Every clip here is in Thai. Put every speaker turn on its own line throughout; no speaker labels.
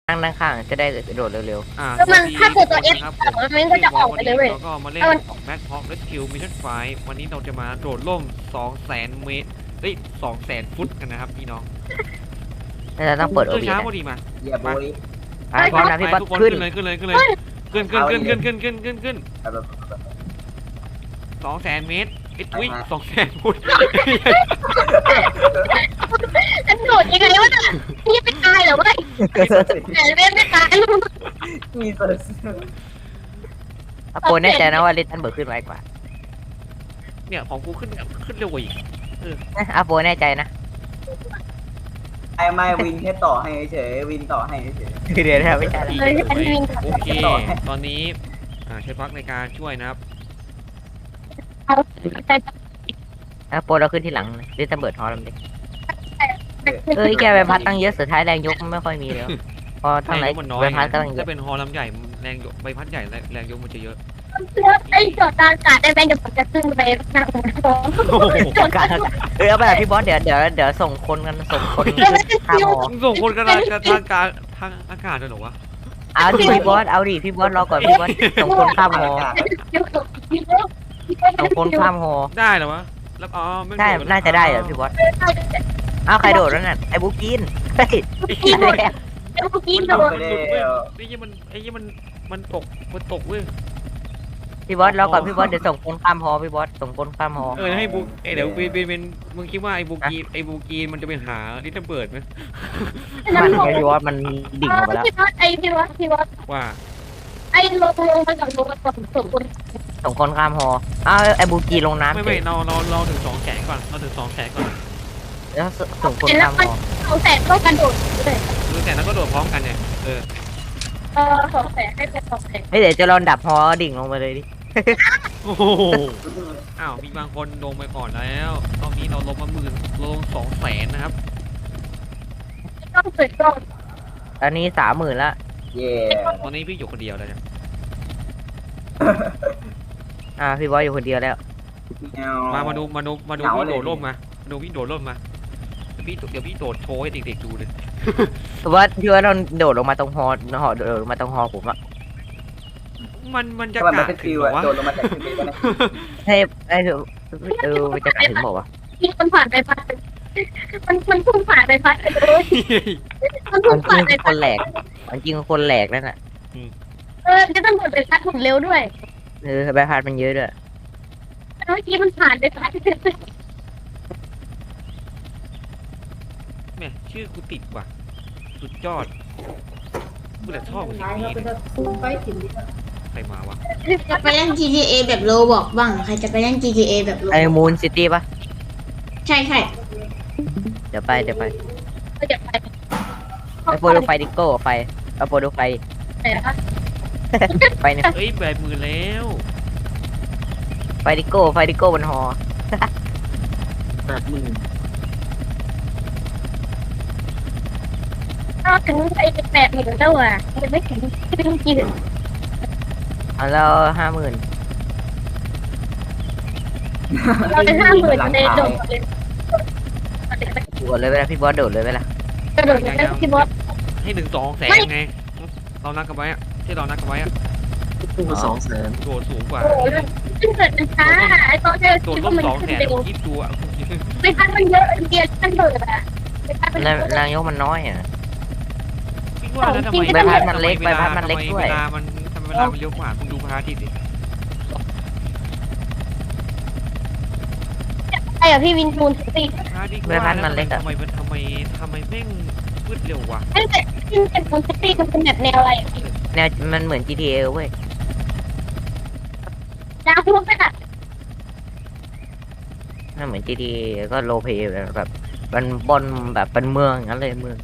นั่งข้างจะได้โดดเร็ว
แล้วมันถ้าเกิดตัว F
ครับ
มันก็จะออกไปเลยเว้ย
แล้วก็มาเล่นแบ็คฮอคและคิวมิชชั่นไฟวันนี้เราจะมาโดดร่ม 200,000 เมตร200,000 ฟุตกันนะครับพี่น้อง
ๆเราต้องเปิดโอ
ขึ้น
บี
ช้า
นะ
พอดีมา
อย่าโบย
พร้อมนะพี่บอล
ทุกคน
ขึ้น
ขึ้นเลยขึ้น200,000 เมตรอุ้ย200,000 ฟุต
ฉันโดดยังไงวะเนี่ยนี่ไม่ตายเหรอวะแต่เล่นไม่ตาย
มีเปิด
โปรแน่ใจนะว่าลิตันเบิร์ดขึ้นไวกว่า
เนี่ยของกูขึ้นเร็วกว่าอีก
โปรแน่ใจนะ
ไม่วินแค่ต่อให้เฉยวินต่อให้เฉย
เดี๋ยวนะไม่ใช่
เลยฉันวิ่ง
โอเคตอนนี้ใช้พักในการช่วยนะครับ
เอาแต่
โปรเราขึ้นที่หลังลิตันเบิร์ดฮอลล์ดิแกใบพัดตั้งเยอะสุดท้ายแรงยกไม่ค่อยมีแล้วพอทั้งไหน
แรงยกมันน้อย
ใบพัดก็ตั้งเย
ถ้า
อะ
เป็นฮอลำใหญ่แรงยกใบพัดใหญ่แรงยกมันจะเยอะ
ไอ้จอดตาอากาศได้แบงค์จะผมจะขึ้นไปนั่งท้อง
การเอาไปแบบพี่บอสเดี๋ยวส่งคนกันส่งคนข้ามหอ
ส่งคนกันทางอากาศเลยเหรอวะ
เอาดิพี่บอสรอก่อนพี่บอสส่งคนข้ามหอส่งคนข้ามหอ
ได้เหรอวะแล้วไม่
ได้น่าจะได้เหรอพี่บอสอ้าวใครโดดแล้วน่ะไอ้บุ๊กกินเฮ้ย
แล้วก็กิน
มัน
โด
ต
น
กไอ้ยี่มันตกเว้ย
พี่บอสรอก่อนพี่บอสเดี๋ยวส่งคนข้ามหอพี่บอสส่งคนข้ามหอ
ให้บุกเดี๋ยวเป็นมึงคิดว่าไอ้บุกีมันจะไปหาลิตเติ้ลเบิร์ดไหม
มันพี่บอสมันดิ่งออกไปแล้ว
พี่วัด
ว่า
ไอ้ลงมาจากลงมาจากส่วนคน
ส่งคนข้ามหออ้าวไอ้บุ๊กกีลงน้ำ
ไม่เราถึง200,000ก่อนเราถึง200,000ก่อน
แล้วส่งคนข้ามหอ
เอาแต่ต้องกันโดดเลย
ดูแต่แล้วก็โดดพร้อมกันเนี่ย
200,000ให้เป็น200,000
เฮ้ยเดี๋ยวจะลองดับหอดิ่งลงไปเลยดิ
โอ้โหอ้าวมีบางคนลงไปก่อนแล้วตอนนี้เราลงมาลง200,000นะครับ
ต้องเปิดกล้อง
ตอนนี้30,000ละ
เย่
ตอนนี้พี่อยู่คนเดียวแล้วเนี่ย
พี่บอสอยู่คนเดียวแล้ว
มาดูพี่โดดร่มมาดูพี่โดดร่มมาเดี๋ยวพี่โดดโชว์ให้เด็กๆดูเลย
พี่ว่าเราโดดลงมาตรงหอโดดลงมาตรงหอผมอะ
มันจะ
ถ้ามัน
กะ
เป็น
ถึ
ฟิ
ง
ว
เหรอวะ
โดนลงมาจากฟิวนะ
ให้มันจะกลับถึงบอกว่า
ที่มันผ่านไปพัดมันพุ่งผ่านไปพัดเลยมัน
มั
พุ่
น
ง
จริ
ผ่าน
ง
ไป
ค
พัด
นแหลกมันจริงคนแหลกนั่นน่ะ
จะต้องกดไปพัดหุ่นเร็วด้วย
ใบพัดมันเยอะด้วย
เมื่อกี้มันผ่านไปพัด
แม่ชื่อกูติดว่ะสุดยอดกูแต่ชอบสิ่งนี้ใครมาวะ
จะไปเล่น GTA แบบโลบอกบ้าง ใครจะไปเล่น GTA แบบโล
ไอ้มูนซิตี้ปะ
ใช่ใช่
เดี๋ยวไป
ก็จะไป
ไอ้โปรดูไฟดิโก้ไฟเอาโปรดูไฟ
แต่ว่า
ไฟเนี่ย
เอ้ยแบบมือแล้ว
ไฟดิโก้บนหอ
ถ้าถึงไอ้8,000แล้วอ่ะยังไม่ถึงกี่
แล้ว50,000
เราจะ50,000ในโดดเลย
โดดเลยเวลาพี่บอสโดดเลยเวลาก
ระโดดได้ที่บอส
ให้ถึง200,000ไงเรานัดกันไว้อะที่เรานัดกันไว้อะ
200,000
โดดสูงกว่า
โอ้ยขึ้นเกิดมันช้าไอ้ตอนที่
โดด
คิด
ร่
ว่าม มัน
200,000
ขึ้นเร็ว
คิดดูอะ
ไม่ทันมันเยอะเดียวมันเบิดอ่ะไม่ทันมัน
แรงยกมันน้อยอ่ะ
คิดว่าแล้วทำไม
ใบพัดมันเล็กใบพัดมันเล็กด้วย
เวลามันเร็วกว่าคุณดูพระอาทิตย์ดิ
ไอ้อะพี่วินทูนสิ
พระอาทิตย์
ใบพัดมันเล็กอะ
ทำไมแม่งมืดเร็ววะ
ตั้งแต่ที่เป็นทูนซิตี้มันเป็นแบบแนวอะไร
แนวมันเหมือน GTA เว้ย
ดาวพวกนั้นอ่ะ
มันเหมือน GTA ก็โลเพแบบมันบนแบบเป็นเมืองงั้นเลยเมือง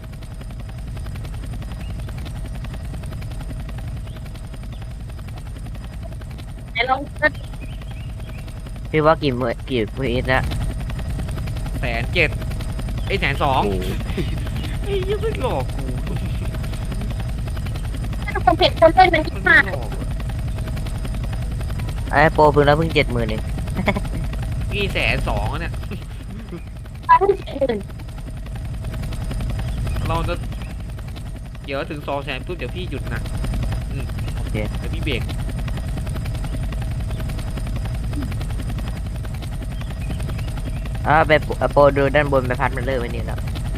ไหนลอง
พี่ว่ากี่พีทละ
107,000ไอ้102,000ไอ้ยังไม่หลอกกู
ถ้าคนเผ็ดคนเล่นมันคิด
มัน
มาก
ไม่หลอกอะ
ไอ้โปรเพิ่งแล้วเพิ่ง70,000เอง
พี่102,000เนี่ย
ตั้งอื่น
เราจะเดี๋ยวถึง200,000ปุ๊บเดี๋ยวพี่หยุดนะ
โอเค
เดี๋ยวพี่เบรก
ไปโปรดูด้านบนไปพัดมันเลิกไว้นี่แล้ว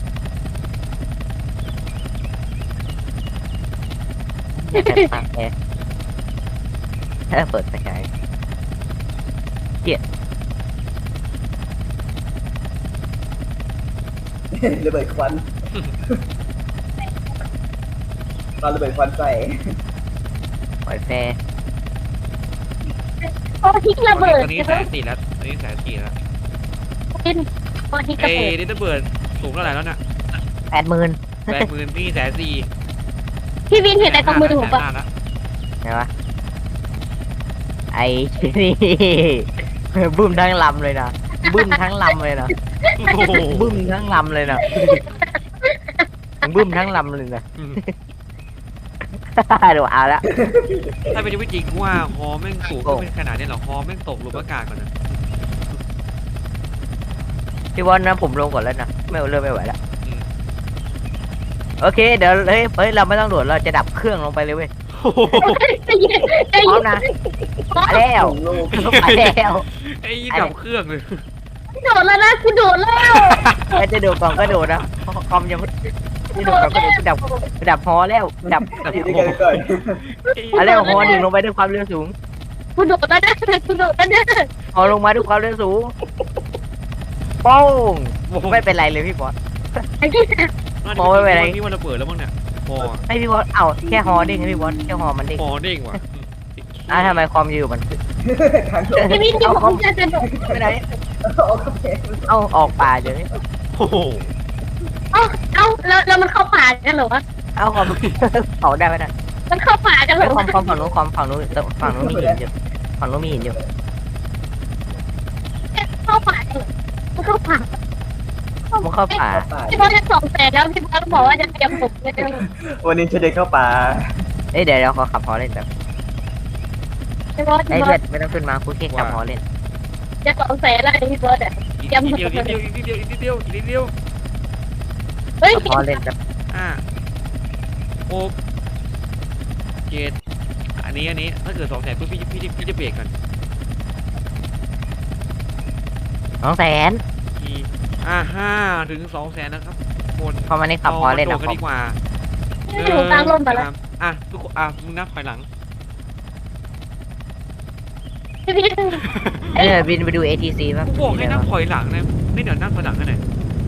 อยากจะตักแอร์เปิดไฟฉาย
ระเบิดควันตอนระเบิดควันใส่
ปล่อยแฟร์
โอ้ทิ้งระเบิด
ตอนนี้แสนสี่แล้วตอนนี้แสนสี่แล้ว
ทิ้งโอ้ทิ้งระ
เอ้
เบิด
ดิระเบิดสูงเท่าไหร่แล้วน่ะ
80,000
80,000พี่140,000
พี่วินเห็นอะไรกับมือผมปะ
150,000ละ
ไงวะไอ้นี่ บึ้มทั้งลำเลยนะบึ้มทั้งลำเลยนะ
โอ้โห
บึ้มทั้งลำเลยนะบึ้มทั้งลำเลยนะ เดี๋ยวเอาละ
ถ้าเป็นชีวิตจริงว่าฮอแม่งสูงก็เป็นขนาดนี้เหรอฮอแม่งตกหลุมอากาศก่อนนะ
พี่บอลนะผมลงก่อนแล้วนะไม่เริ่มไม่ไหวแล้วโอเคเดี๋ยวเฮ้ยเราไม่ต้องโดดเราจะดับเครื่องลงไปเลยเว้ย
โอ้โห
ใจเย็นใจ
พร้อ
เย็
ม
น
นะมาแล้ว
โลก
มาแล้ว
ไอ้ยี่ดับเครื่องเลย
โดดแล้วนะกูโดดแล้ว
ก็จะโดดก่อนก็โดดนะคอมยังไม่โดดก่อนก็โดดดับฮอแล้วดับ
อยู่ด้วยกันก่อน
อะไรฮอดิ่งลงไปด้วยความเร็วสูง
กูโดดแล้วนะกูโดดแล้วนะ
ฮอลงมาด้วยความเร็วสูงโป้งไม่เป็นไรเลยพี่บอล โอ้ยไปไหน
พี่มันระเบิดแล้วมั้งเนี่ยฮอ
ให้พี่บอลเอาแค่ฮอเด้งให้พี่บอลแค่ฮอมันเด้ง
ฮอเด้งว่ะ
ทำไมคอมอยู่มัน
ทางโลก
พี่วินที่ผมจะกระโดด
ไม่ได้
โอเค
เอาออกป่าเดี๋ยวนี้
โอ้โห
เอ้าแล้วมันเข้าป่ากันเหรอวะ
เอาคอมเผาได้ไหมนะ
มันเข้าป่ากันเหรอ
คอ
วะ
มฝั่งนู้นมีหินอยู่ฝั่งนู้นมีหินอยู่
เข้าป่ากันเหรอมันเข้าป่า
มันเข้าป่า
ป่า
พี่บอลจะ200,000แล้วพี่บอลบอกว่าจะเตรียมผมเลย
วันนี้จะเดินเข้าป่า
เดี๋ยวขอขับฮอเล่นแบบ
พี่บอล
เพื่อนไม่ต้องขึ้นมาคุยแค่ขับฮอเล่น
จะ200,000แล้วพี่บอลอ่ะ
อีกนิดเดียวอีกนิดเดียวอีกนิดเดียวอีกนิดเดียว
เฮ้ย
ขับฮอเล่นแบบ
6 7อันนี้ถ้าเกิด200,000ปุ๊บพี่จะเบรกกัน
200,000
ที5 ถึง 200,000นะครับคน
พอมันนี่ขับฮอเล่น
โด
นะ
ดกันดีกว่า
พี่หนูกลางลมไปแล้ว
ทุกคนมึงนับถอยหลัง
พี่วิน
บินไปดู ATC ป่ะ
กูบอกให้นับถอยหลังนะไม่เดี๋ยวนับถอยหลังกันไหน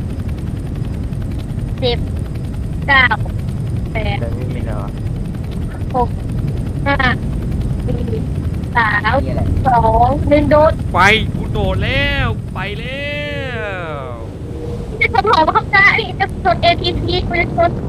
9 8
เดินไม่รอ
5 4 3
นี่แหละ
2 1โดด
ไปกูโดดแล้วไปแล้ว
จะชนหอเข้าใจจะชน ATC ไม่ชน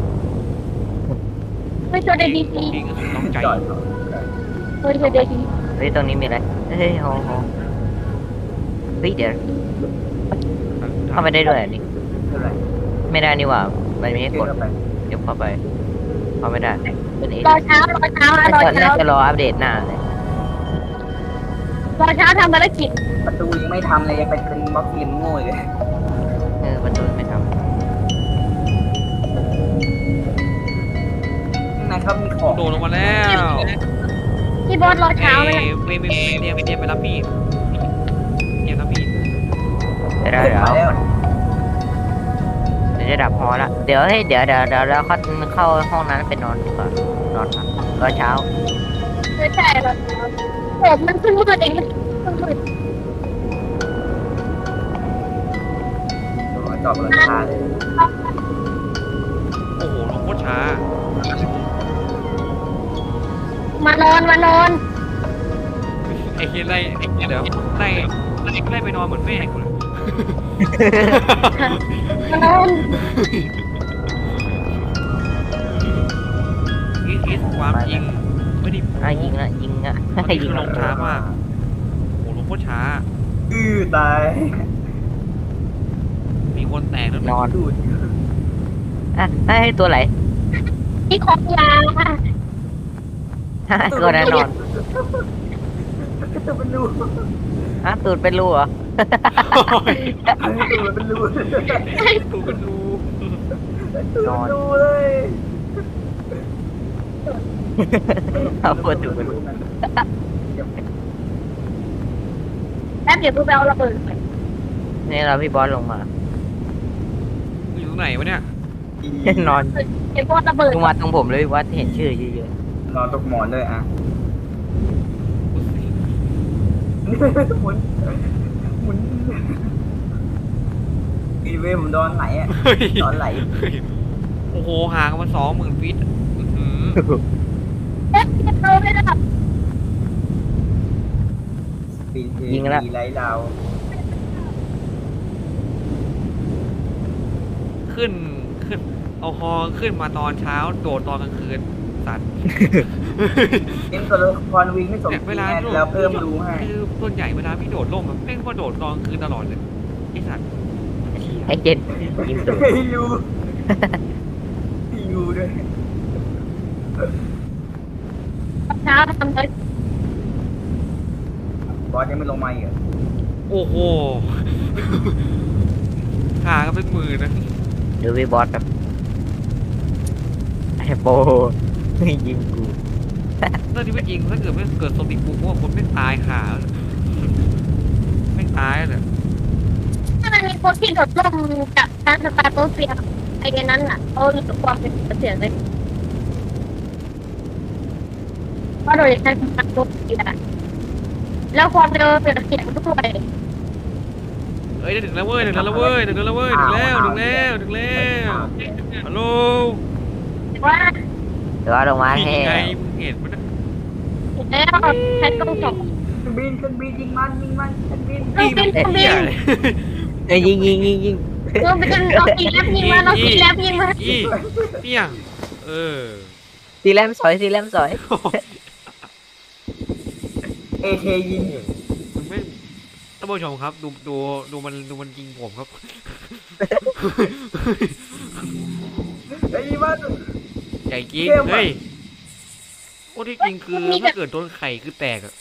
ATC
จริงๆต้องใจ
จอด
ไม่ชน ATC
เฮ้ยตรงนี้มีอะไรเฮ้ยฮอเฮ้ยเดี๋ยวเข้าไปได้ด้วยอันนี้
เท่าไหร่
ไม่ได้นี่หว่ามันไม่ให้
เดิ
ก
น
ด
เข้าไป
เดี๋ยวเข้าไปเข้าไม่ได้เป็นเอ
รอเช้ารอเช้า
น่าจะรออัปเดตหน้าเลย
รอเช้าทำภารกิจ
ประตูยังไม่ทำเลยยังเป็นบล็อกฟิล์มโง่เลย
ประตูไม่ท
ข้างในเขามีของ
โดดลงมาแล้ว
พี่บอสรอเช้าเลย
ไม่เตรียมไปรับพี่เตรียมรับพี่
ำได้
มาแล้ว
เดี๋ยวจะดับฮอละเดี๋ยวเดี๋ยวเราเข้าห้องนั้นไปนอนดีกว่านอนพักรอเช้า
ไม่ใช่รอเช้าผมมันเพิ่งมืดเองมันมืด
จอดบนหลังคาเลย
โอ้โหลงโคตรช้าม
านอน
ไอ้เฮียไล่เดี๋ยวไล่ไปนอนเหมือนแม่กูเลย
มานอน
อีสความจริงไม่ได้
ยิงละยิงละ
มัน
ยิ
คื
ง
อล
ละ
งช้ามากโอ้โหลงโคตรช้า
ตาย
มีคนแตกแล้ว
นอน
ดูด
ให้ตัวไหน
ที่ของยาค่ะ
ตัวนั้นนอน
ตัวเป็นรู
ตูดเป็นรูเหรอ
ตัวเป็นรู
ตูเป็นรู
นอนดูเลย
เอาพูดถูกไป
แป๊บเดี๋ยวกูไปเอาระเบิดก่อน
นี่เราพี่บอสลงมา
อยู่ตรงไหนวะเนี่ย
นอน
ไอ้พวกระเบิด
ลงมาตรงผมเลยพี่บอสเห็นชื่อเยอะ
นอนตกหมอนเลยอ่ะหมุนหมุนอีเวผมโดนไหลอ่ะ
เฮ้ย
โดนไหล
เฮ้ยโอ้โหห่างกันมา20,000 ฟิตอื้อหือ
เอ๊ะจะเจอไม่ได้
ปีนเทปีไล่ดาว
ขึ้นเอาฮอขึ้นมาตอนเช้าโดดตอนกลางคืนสัตว์
เอ็นตัวละครวิ่งไม่สม
เนี่ย
จ
เว
ริง
ลา
ไง
โดด
แล้วเพิ่มรู้ให้
คือส่วนใหญ่เวลาพี่โดดร่มแบบแม่งก็โดดตอนกลางคืนตลอดเลยไอ้สัตว์
ๆไอ้เจนยิงตูด
ให้รู้ให้รู้ด้วย
เช้าทำเลย
บอสยังไม่ลงมาอีก
โอ้โห ห่างกันเป็นหมื่นนะ
ดูพี่บอสแบบไอ้โปยิงกู
เรื่องที่ไม่จริงถ้าเกิดไม่เกิดสติปุกว่าคนไม่ตายห่าแล้วไม่ตายเลย
ถ้ามันมีคนที่โดดร่มกับการสตาร์โตเซียไอ้นั้นอ่ะเขารู้สึกความเป็นเสียงเลยเพราะโดยการสตาร์โตเซียแล้วความเร็วเสียงด้วย
เอ้ยถึงแล้วเว้ยถึงแล้วเว้ยถึงแล้วเว้ยถึงแล้วฮัลโหล
ว่า
เดี๋ยวลงมา
นี่
ให้
ไงมึงเห็นมันนะ
แล้วแพทต้องส่ง
เครื่องบินยิงมันเครื่องบิน
นี่มันเหี้ยเลย
เอ้ยยิง
เราไปกันเอาตีแลบยิงมาเราตีแลบยิงมา
อีเปี้ยงเออ
สีแลมสอยสีแลมสอย
เอเทยิง
ไม่ท่านผู้ชมครับดูมันยิงผมครับ
ไอ้บ้าน
ใหญ่จริง
เข้มอะ
เฮ้ยโอ้ที่จริงคือถ้าเกิดโดนไข่คือแตกอะ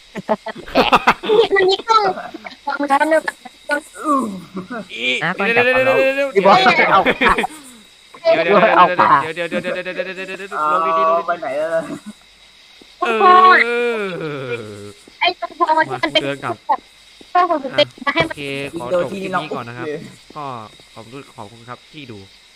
มันมีกล้องมันก็เริ่ม
อี
อ่ะก่อน
เดี๋ยว
จับ
เดี๋ยว
เอา
เดี๋ยว
พี่บอสเอา
เดี๋ยว
เอาปาก
เดี๋ยวลงดีๆลง
ไปไหนแล้ว
เออ
ไอ้ตรงพอที่มันเป็นก็คงเป็นให้
โอ
มัน
เคขอจบคลิปนี้ก่อนนะครับ ก็ขอบคุณครับที่ดู